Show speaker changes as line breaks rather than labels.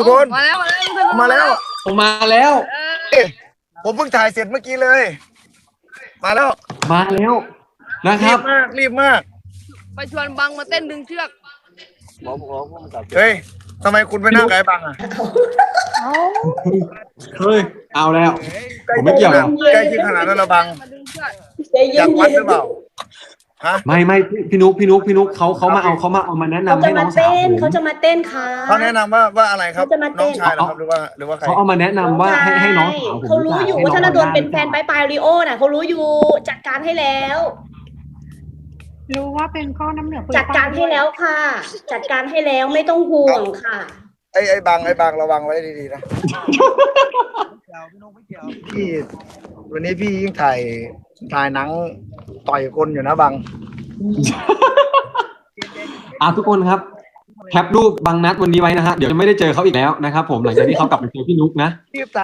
ทุกคน
มาแล้ว
มาแล้ว
ผมมาแล้ว
เอ๊ะผมเพิ่งถ่ายเสร็จเมื่อกี้เลย มาแล้ว
มาแล้วนะค
รี
รั
บบ มากรีบมาก
ไปชวนบังมาเต้นดึงเชือก
เฮ้ยทำไมคุณไปนั่งกับไอ้บังอ่ะ
เฮ้ยเอาแล้ว ผมไม่เกี่ยวนะ
ใกล้ชิดขนาดนั้นละบัง
มาดึงเชือก
ใจ
อ
เย็
ยาก
น
วัดหรือเปล่าฮะ
ไม่พี่นุ๊กเขามาแนะ
เขา
นำ
จะ
ให้น้
มา
องสาว
เต้น
ผม
เขาจะมาเต้นค่ะ
เขาแนะนำว่าอะไรครับ
เขาจะมาเต้
น้
น
องชายเหรอครับหรือว่าใคร
เขาเอามาแนะนำว่าให้น้องสาวผม
เขารู้อยู่ว่าธนดลเป็นแฟน
ไป
ปลายริโอน่ะเขารู้อยู่จัดการให้แล้ว
รู้ว่าเป็นก้อนน้ำเหลือง
จัดการให้แล้วค่ะ จัดการให้แล้วไม่ต้องห่วงค่ะ
ไอ้บังระวังไว้ดีๆนะพี่วันนี้พี่ยิ่งถ่ายหนังต่อยคนอยู่นะบัง
ทุกคนครับแคปรูปบางนัดวันนี้ไว้นะฮะเดี๋ยวจะไม่ได้เจอเขาอีกแล้วนะครับผมหลังจากที่เขากลับไปเจอพี่นุ๊กนะ